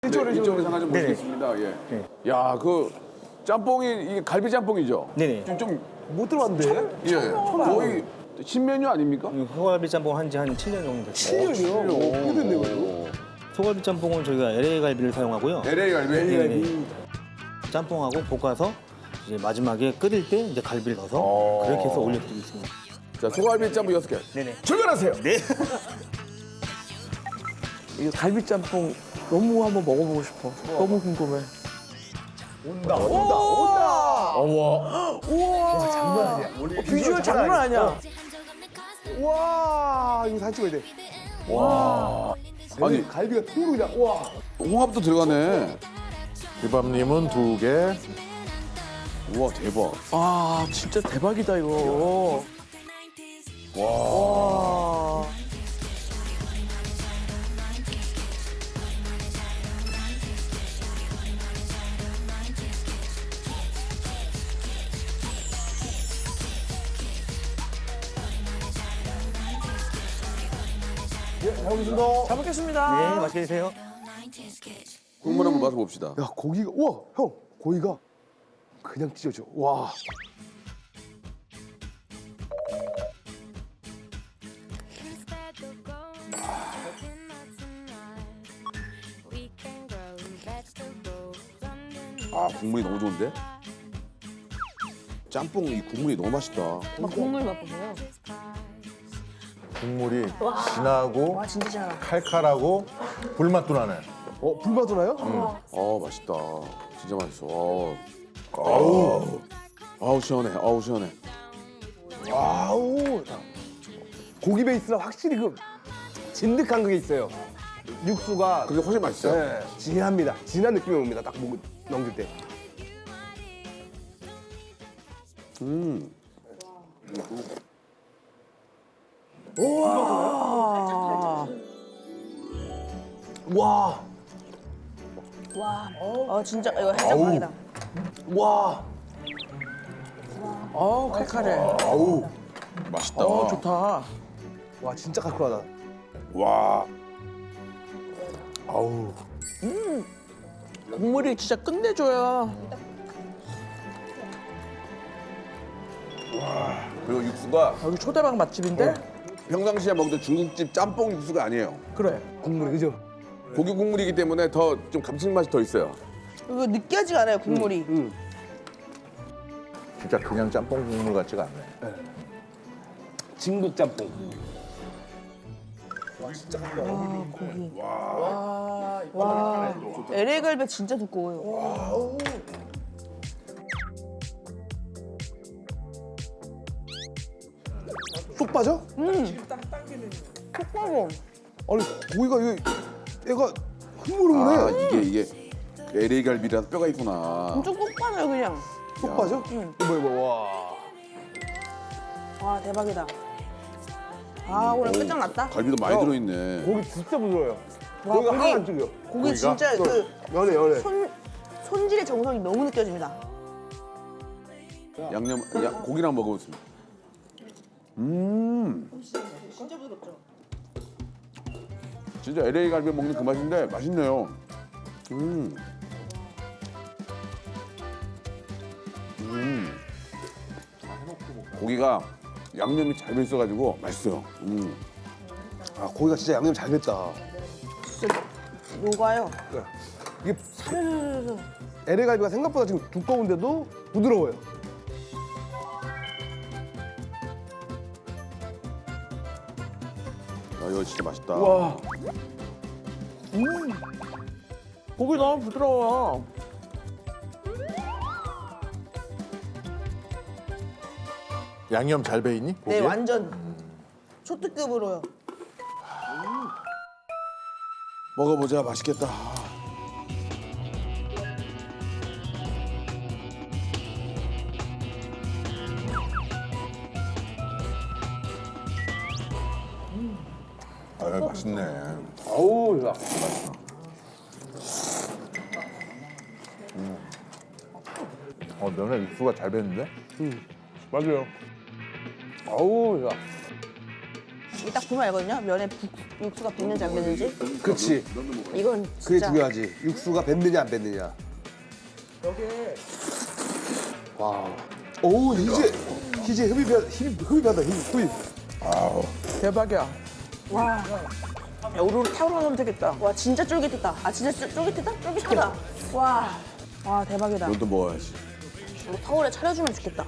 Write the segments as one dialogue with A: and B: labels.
A: 이쪽으로 잠깐 좀
B: 네네.
A: 보시겠습니다. 예.
B: 네.
A: 야, 그 짬뽕이 이게 갈비 짬뽕이죠?
B: 네네.
A: 좀
C: 못 들어봤는데?
A: 예. 거의 신메뉴 아닙니까?
B: 소갈비 짬뽕 한지 한 7년 정도 됐어요.
C: 7년이요? 어떻게 됐네, 그래도?
B: 소갈비 짬뽕은 저희가 LA 갈비를 사용하고요.
A: LA 갈비.
B: 네네. 짬뽕하고 볶아서 이제 마지막에 끓일 때 이제 갈비를 넣어서 그렇게 해서 올려드리고 있습니다.
A: 자, 소갈비 짬뽕 6개.
B: 네네.
A: 출발하세요.
B: 네.
C: 이 갈비짬뽕 너무 한번 먹어보고 싶어. 너무 궁금해.
A: 온다.
C: 우와, 장난 아니야. 비주얼 장난 아니야. 와, 이거 사진 찍어야 돼.
A: 아니,
C: 갈비가 통으로 그냥, 와.
A: 홍합도 들어가네.
D: 비밥님은 2개.
A: 우와, 대박.
C: 아, 진짜 대박이다, 이거. 와. 잘 먹겠습니다.
B: 네, 맛있게 드세요.
A: 국물 한번 맛을 봅시다.
C: 야, 고기가, 우와, 형, 고기가 그냥 찢어져. 와.
A: 아, 국물이 너무 좋은데? 짬뽕 이 국물이 너무 맛있다.
E: 국물 맛보세요.
D: 국물이 진하고
E: 와 진짜 잘.
D: 칼칼하고 불맛도 나네.
C: 불맛도 나요?
A: 맛있다. 진짜 맛있어. 아우. 아우, 시원해. 아우, 시원해.
C: 아우. 고기 베이스랑 확실히 그 진득한 그게 있어요. 육수가
A: 그게 훨씬 맛있어요.
C: 네, 진합니다. 진한 느낌이 옵니다. 딱 목 넘길 때. 와.
E: 와. 진짜 이거 해장국이다.
C: 와.
E: 칼칼해.
A: 아우, 맛있다.
C: 좋다. 와, 진짜 칼칼하다.
A: 와.
D: 아우.
E: 국물이 진짜 끝내줘요.
A: 그리고 육수가
E: 여기 초대박 맛집인데?
A: 평상시에 먹던 중국집 짬뽕 육수가 아니에요.
C: 그래. 국물이 그죠?
A: 고기 국물이기 때문에 더 좀 감칠맛이 더 있어요.
E: 이거 느끼하지가 않아요 국물이.
D: 진짜 그냥 짬뽕 국물 같지가 않네.
C: 진국 짬뽕.
E: 와. LA 갈비 진짜 두꺼워요.
C: 쏙 빠져?
E: 속 빠져.
C: 아니 고기가 얘가 흐물흐물해.
A: 아, 이게 LA 갈비라서 뼈가 있구나.
E: 엄청 쏙 빠져요 그냥.
C: 쏙 빠져? 이거 와.
E: 와 대박이다. 아 오늘 끝장났다.
A: 갈비도 많이
C: 야.
A: 들어있네.
C: 고기 진짜 부드러워요.
E: 와,
C: 고기가
E: 고기.
C: 하나 안 찔려.
E: 고기 진짜 그
C: 연해.
E: 손질의 정성이 너무 느껴집니다.
A: 고기를 한번 먹어보겠습니다.
E: 진짜 부드럽죠.
A: 진짜 LA 갈비 먹는 그 맛인데 맛있네요. 고기가 양념이 잘 배 있어가지고 맛있어요.
C: 아 고기가 진짜 양념 잘 됐다.
E: 진짜 녹아요.
C: 이게
E: 사르르르.
C: LA 갈비가 생각보다 지금 두꺼운데도 부드러워요.
A: 아, 이거 진짜 맛있다.
C: 와.
E: 고기 너무 부드러워요.
D: 양념 잘 배이니?
E: 네
D: 고기에?
E: 완전 초특급으로요.
A: 먹어보자. 맛있겠다.
D: 아, 맛있네.
C: 아우 야.
D: 면에 육수가 잘 배는데?
C: 맞아요. 아우 야.
E: 이게 딱 보면 알거든요. 면에 육수가 뱄는지 안 뱄는지.
C: 그렇지.
E: 이건
C: 그게
E: 진짜
C: 중요하지. 육수가 뱉느냐 안 뱉느냐. 와. 오 이제 흡입하다 흡입.
F: 대박이야.
E: 와.
F: 야, 우르르 타오르면 되겠다.
E: 와 진짜 쫄깃했다. 아 진짜 쫄깃했다? 쫄깃하다. 와. 와 대박이다.
A: 이것도 먹어야지.
E: 뭐 타올에 차려주면 좋겠다.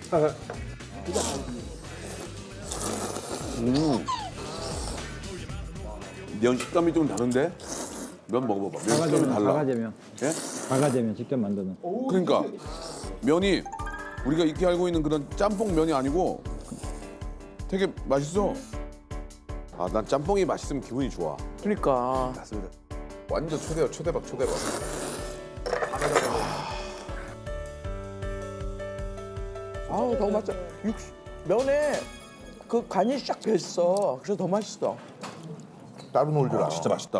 A: 면 식감이 좀 다른데? 면 먹어봐봐. 면 식감이 달라.
G: 바가제면.
A: 예?
G: 바가제면 직접 만드는.
A: 그러니까 면이 우리가 익히 알고 있는 그런 짬뽕 면이 아니고 되게 맛있어. 아, 난 짬뽕이 맛있으면 기분이 좋아.
F: 그러니까.
C: 맞습니다.
D: 완전 초대박.
F: 아우 너무 맛있어. 면에 그 간이 싹 뱄어. 그래서 더 맛있어.
D: 따로 놀 줄 알아.
A: 진짜 맛있다.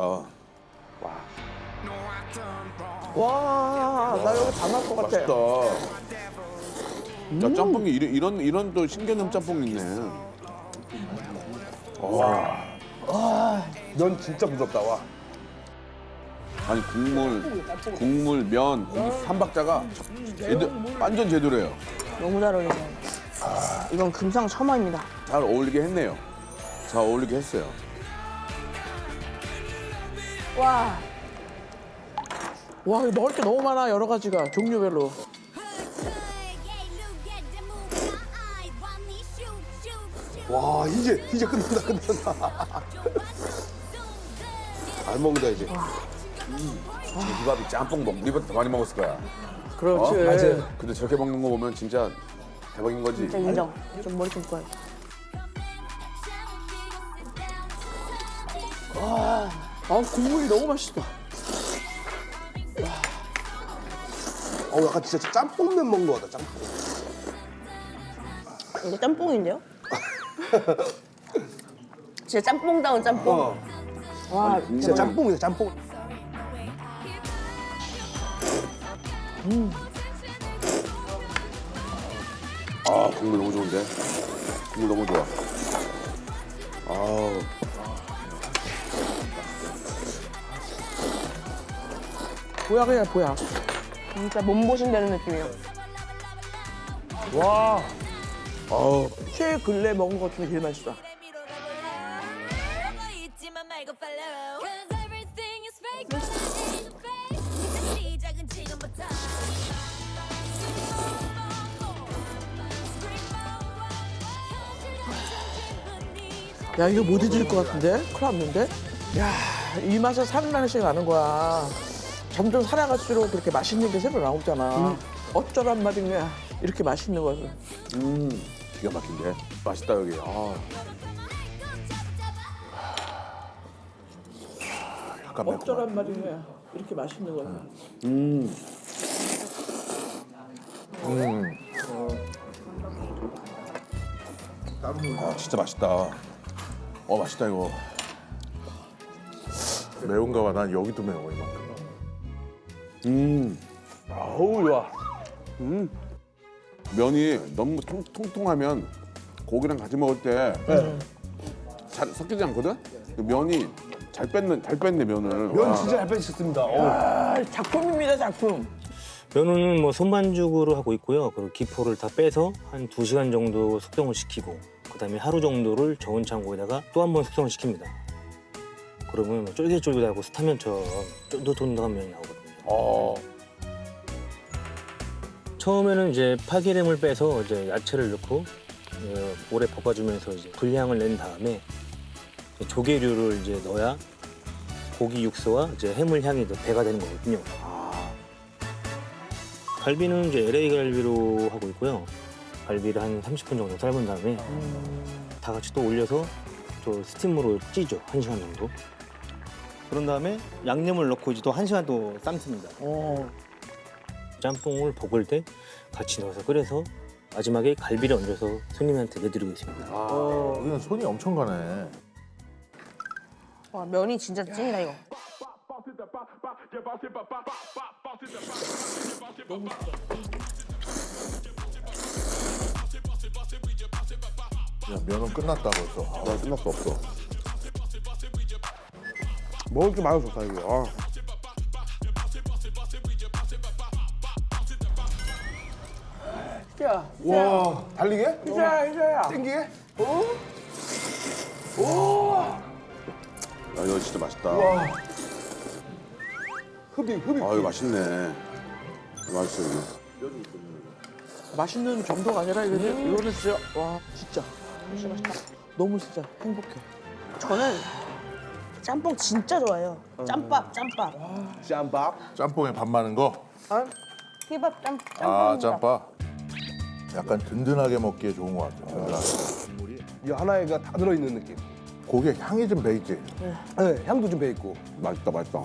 F: 와, 나 여기 다 맛 것 같아.
A: 맛있다. 야, 짬뽕이 이런 또 신개념 짬뽕이 있네.
C: 면 진짜 부럽다. 와.
A: 아니 국물, 면, 고기 삼박자가 완전 제대로예요.
E: 너무 잘 어울리네요. 이건 금상첨화입니다.
A: 잘 어울리게 했네요. 잘 어울리게 했어요.
E: 와.
F: 와, 이거 먹을 게 너무 많아 여러 가지가 종류별로.
C: 와 이제 끝난다. 잘 먹는다 이제.
A: 제기밥이 짬뽕 우리보다 더 많이 먹었을 거야.
F: 그렇지.
C: 맞아요.
A: 근데 저렇게 먹는 거 보면 진짜 대박인 거지.
E: 진짜 인정. 좀 머리 좀 꺼요.
F: 아, 국물이 너무 맛있어.
C: 약간 진짜 짬뽕면 먹는 거 같다. 짬뽕.
E: 이거 짬뽕인데요? 진짜 짬뽕다운 짬뽕. 와,
C: 진짜 짬뽕이다 짬뽕.
A: 아, 국물 너무 좋은데? 국물 너무 좋아. 아우.
F: 보약이야, 보약.
E: 진짜 몸보신되는 느낌이에요.
F: 와. 최근래 먹은 것 중에 제일 맛있어. 야, 이거 못 잊을 것 같은데? 큰일 났는데? 야, 이 맛에 살아나는 나는 거야. 점점 살아갈수록 그렇게 맛있는 게 새로 나오잖아. 어쩌란 말인 거야. 이렇게 맛있는 것을.
A: 기가 막힌데? 맛있다, 여기. 아.
D: 약간 매콤.
F: 어쩌란 말인 거야. 이렇게 맛있는 것을.
A: 아, 진짜 맛있다. 맛있다, 이거.
D: 매운가 봐. 난 여기도 매워 이만큼.
C: 어우 좋아.
A: 면이 너무 통통하면 고기랑 같이 먹을 때 잘 섞이지 않거든? 그 면이 잘 뺐네, 면을.
C: 면
A: 와.
C: 진짜 잘 빼셨습니다.
F: 아, 작품입니다, 작품.
B: 면은 뭐 손반죽으로 하고 있고요. 그리고 기포를 다 빼서 한 2시간 정도 숙성을 시키고 그다음에 하루 정도를 저온 창고에다가 또 한 번 숙성을 시킵니다. 그러면 쫄깃쫄깃하고 스타면처럼 쫀득쫀득한 면이 나오거든요. 처음에는 이제 파기름을 빼서 이제 야채를 넣고 오래 볶아주면서 이제 불향을 낸 다음에 조개류를 이제 넣어야 고기 육수와 이제 해물 향이 더 배가 되는 거거든요. 갈비는 이제 LA 갈비로 하고 있고요. 갈비를 한 30분 정도 삶은 다음에 다 같이 또 올려서 또 스팀으로 찌죠. 1시간 정도. 그런 다음에 양념을 넣고 이제 또 1시간 또 삶습니다. 짬뽕을 볶을 때 같이 넣어서 끓여서 마지막에 갈비를 얹어서 손님한테 내드리고 있습니다.
D: 여기는 손이 엄청 가네.
E: 와, 면이 진짜 찐이다, 이거.
D: 야, 면은 끝났다 벌써. 아,
A: 나 끝났어 없어.
C: 먹을 게 많아서 좋다 이게. 아.
F: 야,
C: 와, 달리게?
F: 희자야.
C: 땡기게?
A: 야 이거 진짜 맛있다.
C: 흡입.
A: 아 이거 맛있네. 맛있어 이거.
F: 맛있는 정도가 아니라 이거는 진짜 와 진짜 맛있다. 너무 진짜 행복해.
E: 저는 짬뽕 진짜 좋아해요. 짬밥.
C: 짬밥.
D: 짬뽕에 밥 많은 거.
E: 피밥
D: 아,
E: 짬뽕.
D: 짬밥. 약간 든든하게 먹기에 좋은 것 같아. 든든하게.
C: 이 하나에가 다 들어있는 느낌.
D: 고기에 향이 좀 배있지.
C: 네, 향도 좀 배있고.
A: 맛있다 맛있다.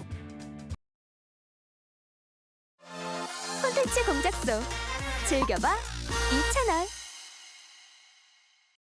H: 콘텐츠 공작소 즐겨봐 이채널.